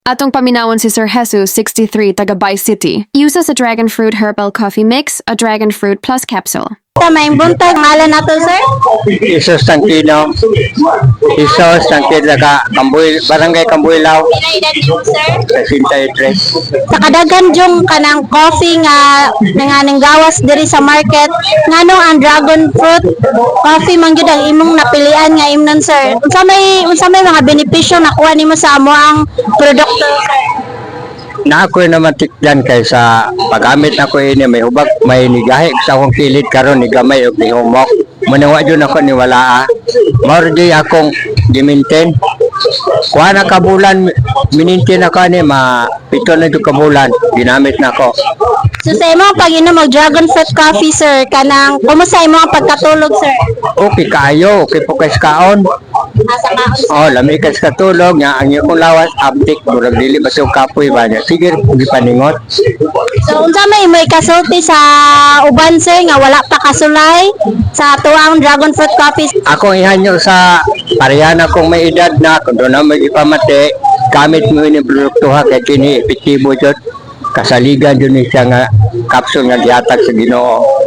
Atong paminawon si Sir Jesus, 63, taga Vice City. Uses a dragon fruit herbal coffee mix, a dragon fruit plus capsule. May buntag ngalan nato sir. Isos Tangkino, Isos Tangkino ka Kambuy, Barangay Kambuylao, Pila edad niyo sir? 63. Sa kadaghan jung kanang coffee nga nanganing gawas diri sa market nganong ang dragon fruit coffee man gyud ang imong napilian nga imnon sir. Unsa may mga benepisyo nakuha nimo sa amo ang produkto sir? Na ako naman tikdan kay sa paggamit na ko ini may hubag may nigahi sa akong kilid karon ni gamay og nihumok. Manawa jud ako ni wala. Mao di akong giminten. Kuha na ka bulan minintin ako ni pito na jud ka bulan ginamit na ko. So sa imong pag-inom og dragon fruit coffee sir kanang kumusta imong ang pagkatulog sir? Okay kaayo, okay po kay kaon. Asa ka? Oh, lami ka sa katulog nga ang iyong lawas abdik murag dili ba sa kapoy ba niya. Sige, gipaningot. So unsa may imo ikasulti sa uban sir nga wala pa kasulay sa tuang dragon fruit coffee? Ako ihanyo sa parehana kong may edad na kung doon na mag-ipamati gamit mo yung produkto ha kay kini epektibo jud kasaligan jud ni siya nga kapsul nga gihatag sa Ginoo.